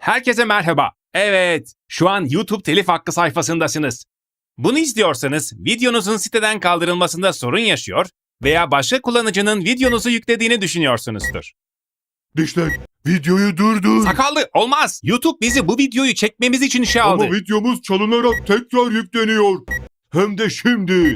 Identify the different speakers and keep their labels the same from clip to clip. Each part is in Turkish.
Speaker 1: Herkese merhaba. Evet, şu an YouTube telif hakkı sayfasındasınız. Bunu istiyorsanız videonuzun siteden kaldırılmasında sorun yaşıyor veya başka kullanıcının videonuzu yüklediğini düşünüyorsunuzdur.
Speaker 2: Dişlek, videoyu durdur.
Speaker 1: Sakallı, olmaz. YouTube bizi bu videoyu çekmemiz için işe aldı.
Speaker 2: Ama videomuz çalınarak tekrar yükleniyor. Hem de şimdi.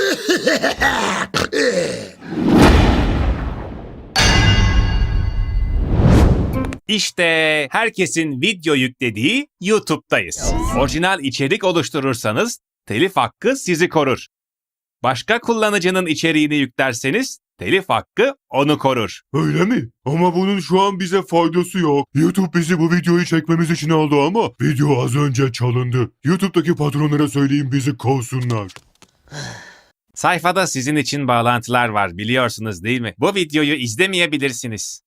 Speaker 1: İşte herkesin video yüklediği YouTube'dayız. Orijinal içerik oluşturursanız telif hakkı sizi korur. Başka kullanıcının içeriğini yüklerseniz telif hakkı onu korur.
Speaker 2: Öyle mi? Ama bunun şu an bize faydası yok. YouTube bizi bu videoyu çekmemiz için aldı ama video az önce çalındı. YouTube'daki patronlara söyleyin bizi kovsunlar.
Speaker 1: Sayfada sizin için bağlantılar var, biliyorsunuz değil mi? Bu videoyu izlemeyebilirsiniz.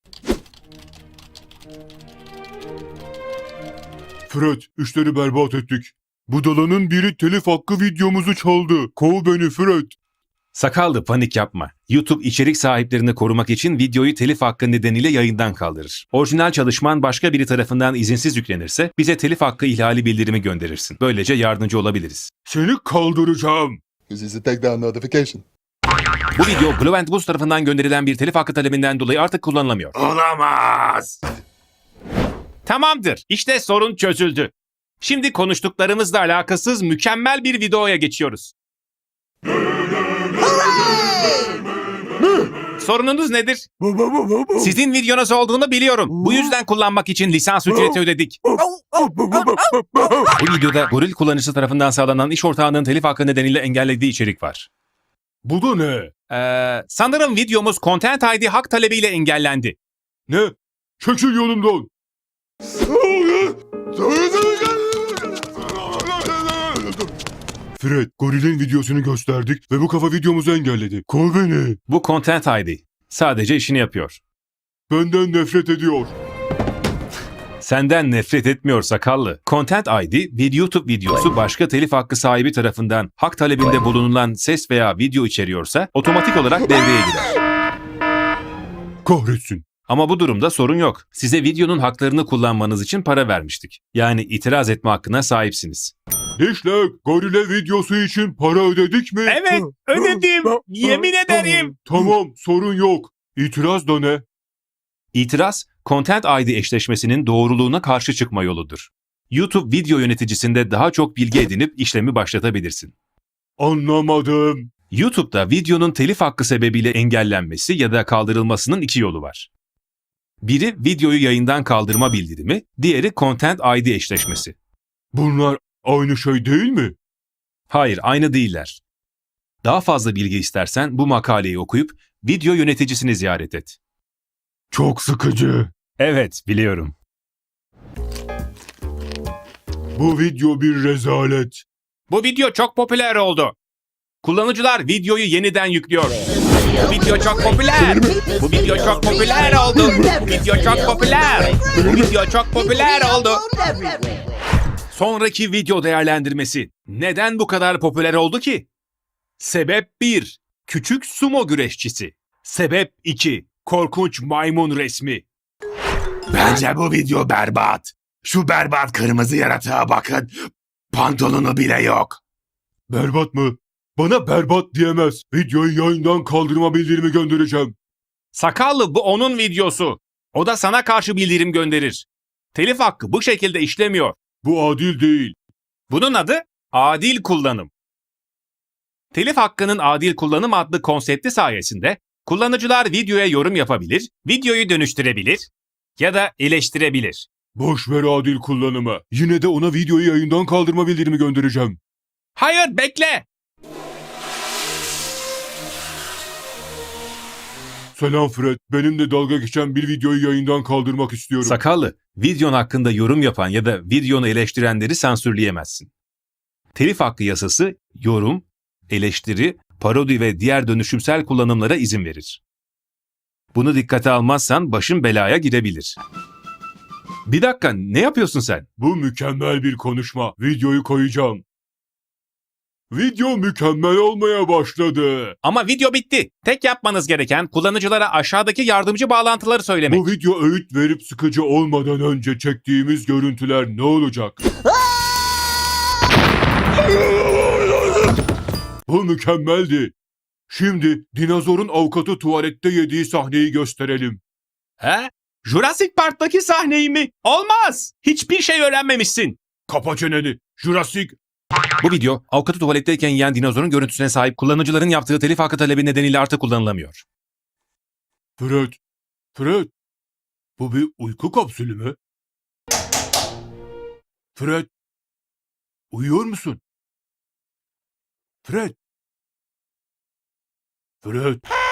Speaker 2: Fred, işleri berbat ettik. Budalanın biri telif hakkı videomuzu çaldı. Kov beni Fred.
Speaker 1: Sakallı, panik yapma. YouTube içerik sahiplerini korumak için videoyu telif hakkı nedeniyle yayından kaldırır. Orijinal çalışman başka biri tarafından izinsiz yüklenirse bize telif hakkı ihlali bildirimi gönderirsin. Böylece yardımcı olabiliriz.
Speaker 2: Seni kaldıracağım.
Speaker 3: This is a takedown notification.
Speaker 1: Bu video Blue & Boost tarafından gönderilen bir telif hakkı talebinden dolayı artık kullanılamıyor.
Speaker 2: Olamaz.
Speaker 1: Tamamdır. İşte sorun çözüldü. Şimdi konuştuklarımızla alakasız mükemmel bir videoya geçiyoruz. Sorununuz nedir? Sizin videonuz olduğunu biliyorum. Bu yüzden kullanmak için lisans ücreti ödedik. Bu videoda goril kullanıcısı tarafından sağlanan iş ortağının telif hakkı nedeniyle engellediği içerik var.
Speaker 2: Bu da ne?
Speaker 1: Sanırım videomuz Content ID hak talebiyle engellendi.
Speaker 2: Ne? Çekil yolumdan. Fred, gorilin videosunu gösterdik ve bu kafa videomuzu engelledi. Kov beni.
Speaker 1: Bu Content ID sadece işini yapıyor.
Speaker 2: Benden nefret ediyor.
Speaker 1: Senden nefret etmiyor sakallı. Content ID bir YouTube videosu başka telif hakkı sahibi tarafından hak talebinde bulunulan ses veya video içeriyorsa otomatik olarak devreye girer.
Speaker 2: Kahretsin.
Speaker 1: Ama bu durumda sorun yok. Size videonun haklarını kullanmanız için para vermiştik. Yani itiraz etme hakkına sahipsiniz.
Speaker 2: Dişlek, gorile videosu için para ödedik mi?
Speaker 1: Evet, ödedim. Yemin ederim.
Speaker 2: Tamam, sorun yok. İtiraz da ne?
Speaker 1: İtiraz, Content ID eşleşmesinin doğruluğuna karşı çıkma yoludur. YouTube video yöneticisinde daha çok bilgi edinip işlemi başlatabilirsin.
Speaker 2: Anlamadım.
Speaker 1: YouTube'da videonun telif hakkı sebebiyle engellenmesi ya da kaldırılmasının iki yolu var. Biri videoyu yayından kaldırma bildirimi, diğeri Content ID eşleşmesi.
Speaker 2: Bunlar aynı şey değil mi?
Speaker 1: Hayır, aynı değiller. Daha fazla bilgi istersen bu makaleyi okuyup video yöneticisini ziyaret et.
Speaker 2: Çok sıkıcı.
Speaker 1: Evet, biliyorum.
Speaker 2: Bu video bir rezalet.
Speaker 1: Bu video çok popüler oldu. Kullanıcılar videoyu yeniden yüklüyor. Bu video çok popüler. Bu video çok popüler oldu. Bu video çok popüler. Bu video çok popüler oldu. Sonraki video değerlendirmesi. Neden bu kadar popüler oldu ki? Sebep 1. Küçük sumo güreşçisi. Sebep 2. Korkunç maymun resmi.
Speaker 4: Bence bu video berbat. Şu berbat kırmızı yaratığa bakın. Pantolonu bile yok.
Speaker 2: Berbat mı? Bana berbat diyemez. Videoyu yayından kaldırma bildirimi göndereceğim.
Speaker 1: Sakallı, bu onun videosu. O da sana karşı bildirim gönderir. Telif hakkı bu şekilde işlemiyor.
Speaker 2: Bu adil değil.
Speaker 1: Bunun adı adil kullanım. Telif hakkının adil kullanım adlı konsepti sayesinde kullanıcılar videoya yorum yapabilir, videoyu dönüştürebilir ya da eleştirebilir.
Speaker 2: Boş ver adil kullanımı. Yine de ona videoyu yayından kaldırma bildirimi göndereceğim.
Speaker 1: Hayır, bekle!
Speaker 2: Selam Fred. Benimle dalga geçen bir videoyu yayından kaldırmak istiyorum.
Speaker 1: Sakallı, videon hakkında yorum yapan ya da videonu eleştirenleri sansürleyemezsin. Telif hakkı yasası yorum, eleştiri, parodi ve diğer dönüşümsel kullanımlara izin verir. Bunu dikkate almazsan başın belaya girebilir. Bir dakika, ne yapıyorsun sen?
Speaker 2: Bu mükemmel bir konuşma. Videoyu koyacağım. Video mükemmel olmaya başladı.
Speaker 1: Ama video bitti. Tek yapmanız gereken kullanıcılara aşağıdaki yardımcı bağlantıları söylemek.
Speaker 2: Bu video öğüt verip sıkıcı olmadan önce çektiğimiz görüntüler ne olacak? Bu mükemmeldi. Şimdi dinozorun avukatı tuvalette yediği sahneyi gösterelim.
Speaker 1: He? Jurassic Park'taki sahneyi mi? Olmaz. Hiçbir şey öğrenmemişsin.
Speaker 2: Kapa çeneni. Jurassic.
Speaker 1: Bu video avukatı tuvaletteyken yiyen dinozorun görüntüsüne sahip kullanıcıların yaptığı telif hakkı talebi nedeniyle artık kullanılamıyor.
Speaker 2: Fred. Bu bir uyku kapsülü mü? Fred. Uyuyor musun? Fred.